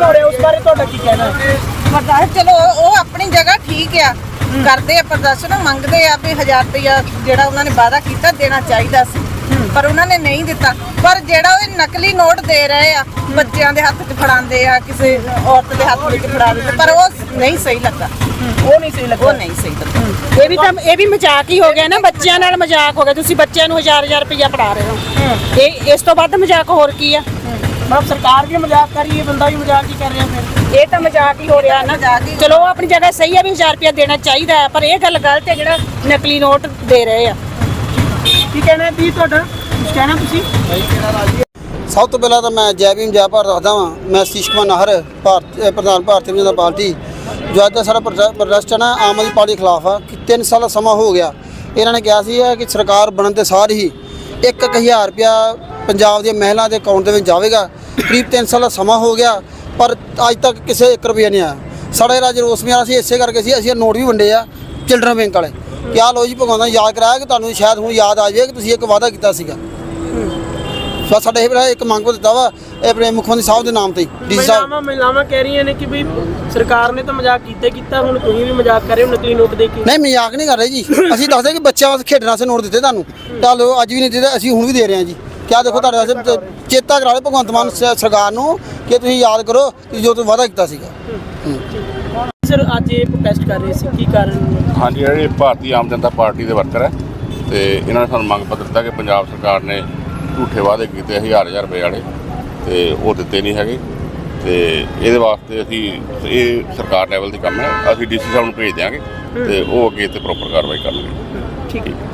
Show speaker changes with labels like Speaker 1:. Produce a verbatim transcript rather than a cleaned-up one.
Speaker 1: ਪ੍ਰਦਰਸ਼ਨ ਹੋ ਰਿਹਾ ਉਸ ਬਾਰੇ ਤੁਹਾਡਾ ਕੀ ਕਹਿਣਾ ਹੈ?
Speaker 2: ਪ੍ਰਦਰਸ਼ਨ ਚਲੋ ਉਹ ਆਪਣੀ ਜਗ੍ਹਾ ਠੀਕ ਆ, ਕਰਦੇ ਆ ਪ੍ਰਦਰਸ਼ਨ, ਮੰਗਦੇ ਆ ਵੀ ਹਜ਼ਾਰ ਰੁਪਇਆ ਜਿਹੜਾ ਉਹਨਾਂ ਨੇ ਵਾਅਦਾ ਕੀਤਾ ਦੇਣਾ ਚਾਹੀਦਾ ਸੀ, ਪਰ ਉਹਨਾਂ ਨੇ ਨਹੀਂ ਦਿੱਤਾ। ਪਰ ਜਿਹੜਾ ਉਹ ਨਕਲੀ ਨੋਟ ਦੇ ਰਹੇ ਆ, ਬੱਚਿਆਂ ਦੇ ਹੱਥ 'ਚ ਫੜਾਉਂਦੇ ਆ, ਕਿਸੇ ਔਰਤ ਦੇ ਹੱਥ ਵਿੱਚ ਫੜਾ ਦਿੰਦੇ, ਪਰ ਉਹ ਨਹੀਂ ਸਹੀ ਲੱਗਾ।
Speaker 1: ਉਹ ਨਹੀਂ ਸਹੀ ਲੱਗਾ,
Speaker 2: ਉਹ ਨਹੀਂ ਸਹੀ ਲੱਗਾ।
Speaker 3: ਇਹ ਵੀ ਤਾਂ ਇਹ ਵੀ ਮਜ਼ਾਕ ਹੀ ਹੋ ਗਿਆ ਨਾ, ਬੱਚਿਆਂ ਨਾਲ ਮਜ਼ਾਕ ਹੋ ਗਿਆ। ਤੁਸੀਂ ਬੱਚਿਆਂ ਨੂੰ ਹਜ਼ਾਰ ਹਜ਼ਾਰ ਰੁਪਇਆ ਫੜਾ ਰਹੇ ਹੋ, ਇਹ ਇਸ ਤੋਂ ਵੱਧ ਮਜ਼ਾਕ ਹੋਰ ਕੀ ਆ?
Speaker 1: ਮਤਲਬ ਸਰਕਾਰ ਵੀ ਮਜ਼ਾਕ ਕਰ ਰਹੀ ਹੈ, ਬੰਦਾ ਵੀ ਮਜ਼ਾਕ ਹੀ ਕਰ ਰਿਹਾ ਫਿਰ।
Speaker 3: ਇਹ ਤਾਂ ਮਜ਼ਾਕ ਹੀ ਹੋ ਰਿਹਾ ਨਾ। ਚਲੋ ਉਹ ਆਪਣੀ ਜਗ੍ਹਾ ਸਹੀ ਆ ਵੀ ਹਜ਼ਾਰ ਰੁਪਇਆ ਦੇਣਾ ਚਾਹੀਦਾ ਹੈ, ਪਰ ਇਹ ਗੱਲ ਗਲਤ ਹੈ ਜਿਹੜਾ ਨਕਲੀ ਨੋਟ ਦੇ ਰਹੇ ਆ।
Speaker 1: ਕੀ ਕਹਿਣਾ ਦੀ ਤੁਹਾਡਾ? ਕੁਝ ਕਹਿਣਾ ਤੁਸੀਂ?
Speaker 4: ਸਭ ਤੋਂ ਪਹਿਲਾਂ ਤਾਂ ਮੈਂ ਜੈ ਭੀਮ ਜੈ ਭਾਰਤ ਦੱਸਦਾ ਵਾਂ। ਮੈਂ ਸਤੀਸ਼ ਕੁਮਾਰ ਨਾਹਰ, ਭਾਰਤ ਪ੍ਰਧਾਨ ਭਾਰਤੀ ਜਨਤਾ ਪਾਰਟੀ। ਜੋ ਅੱਜ ਦਾ ਸਾਡਾ ਪ੍ਰਦਰਸ਼ਨ ਹੈ ਆਮ ਆਦਮੀ ਪਾਰਟੀ ਖਿਲਾਫ ਆ ਕਿ ਤਿੰਨ ਸਾਲ ਦਾ ਸਮਾਂ ਹੋ ਗਿਆ। ਇਹਨਾਂ ਨੇ ਕਿਹਾ ਸੀ ਕਿ ਸਰਕਾਰ ਬਣਨ ਦੇ ਸਾਰ ਹੀ ਇੱਕ ਇੱਕ ਹਜ਼ਾਰ ਰੁਪਇਆ ਪੰਜਾਬ ਦੀਆਂ ਮਹਿਲਾ ਦੇ ਅਕਾਊਂਟ ਦੇ ਵਿੱਚ ਜਾਵੇਗਾ। ਕਰੀਬ ਤਿੰਨ ਸਾਲ ਦਾ ਸਮਾਂ ਹੋ ਗਿਆ, ਪਰ ਅੱਜ ਤੱਕ ਕਿਸੇ ਇੱਕ ਰੁਪਇਆ ਨਹੀਂ ਆਇਆ। ਸਾਡਾ ਰਾਜ ਰੋਸ ਮੇਰਾ ਸੀ, ਇਸੇ ਕਰਕੇ ਸੀ ਅਸੀਂ ਨੋਟ ਵੀ ਵੰਡੇ ਆ ਚਿਲਡਰਨ ਬੈਂਕ ਵਾਲੇ। ਕਿਆ ਲੋ ਜੀ ਭਗਵਾਨ ਯਾਦ ਕਰਾਇਆ ਕਿ ਤੁਹਾਨੂੰ ਸ਼ਾਇਦ ਹੁਣ ਯਾਦ ਆ ਜਾਵੇ ਕਿ ਤੁਸੀਂ ਇੱਕ ਵਾਅਦਾ ਕੀਤਾ ਸੀਗਾ। ਸੋ ਸਾਡੇ ਇਹ ਇੱਕ ਮੰਗ ਪੱਤਰ ਦਿੱਤਾ ਵਾ ਆਪਣੇ ਮੁੱਖ ਮੰਤਰੀ ਸਾਹਿਬ ਦੇ ਨਾਮ ਤੇ। ਡੀ ਸੀ ਸਾਹਿਬ
Speaker 1: ਮਹਿਲਾਵਾਂ ਕਹਿ ਰਹੀਆਂ ਨੇ ਕਿ ਵੀ ਸਰਕਾਰ ਨੇ ਤਾਂ ਮਜ਼ਾਕ ਕੀਤਾ ਕੀਤਾ, ਹੁਣ ਤੁਸੀਂ ਵੀ ਮਜ਼ਾਕ ਕਰ ਰਹੇ ਹੋ ਨਕਲੀ ਨੋਟ ਦੇ ਕੇ।
Speaker 4: ਨਹੀਂ, ਮਜ਼ਾਕ ਨਹੀਂ ਕਰ ਰਹੇ ਜੀ। ਅਸੀਂ ਦੱਸਦੇ ਕਿ ਬੱਚਿਆਂ ਵਾਸਤੇ ਖੇਡਣ ਵਾਸਤੇ ਨੋਟ ਦਿੱਤੇ ਤੁਹਾਨੂੰ, ਚਲੋ ਅੱਜ ਵੀ ਨਹੀਂ ਦਿੱਤੇ, ਅਸੀਂ ਹੁਣ ਵੀ ਦੇ ਰਹੇ ਹਾਂ ਜੀ। ਕਿਆ ਦੇਖੋ ਤੁਹਾਡੇ ਵਾਸਤੇ ਚੇਤਾ ਕਰਾ ਲਓ ਭਗਵੰਤ ਮਾਨ ਸਰਕਾਰ ਨੂੰ ਕਿ ਤੁਸੀਂ ਯਾਦ ਕਰੋ ਕਿ ਜੋ ਤੁਸੀਂ ਵਾਅਦਾ ਕੀਤਾ ਸੀਗਾ।
Speaker 1: ਸਰ ਅੱਜ ਇਹ ਪ੍ਰੋਟੈਸਟ ਕਰ ਰਹੇ ਸੀ, ਕੀ ਕਾਰਨ?
Speaker 5: ਹਾਂਜੀ, ਜਿਹੜੇ ਭਾਰਤੀ ਆਮ ਜਨਤਾ ਪਾਰਟੀ ਦੇ ਵਰਕਰ ਹੈ ਤੇ ਇਹਨਾਂ ਨੇ ਸਾਨੂੰ ਮੰਗ ਪੱਤਰ ਦਿੱਤਾ ਕਿ ਪੰਜਾਬ ਸਰਕਾਰ ਨੇ ਝੂਠੇ ਵਾਅਦੇ ਕੀਤੇ ਹਜ਼ਾਰ ਹਜ਼ਾਰ ਰੁਪਏ ਵਾਲੇ ਤੇ ਉਹ ਦਿੱਤੇ ਨਹੀਂ ਹੈਗੇ, ਤੇ ਇਹਦੇ ਵਾਸਤੇ ਅਸੀਂ ਇਹ ਸਰਕਾਰ ਲੈਵਲ ਦੀ ਕੰਮ ਹੈ, ਅਸੀਂ ਡੀ ਸੀ ਸਾਹਿਬ ਨੂੰ ਭੇਜ ਦਿਆਂਗੇ ਤੇ ਉਹ ਅੱਗੇ ਤੇ ਪ੍ਰੋਪਰ ਕਾਰਵਾਈ ਕਰਨਗੇ।
Speaker 1: ਠੀਕ ਹੈ।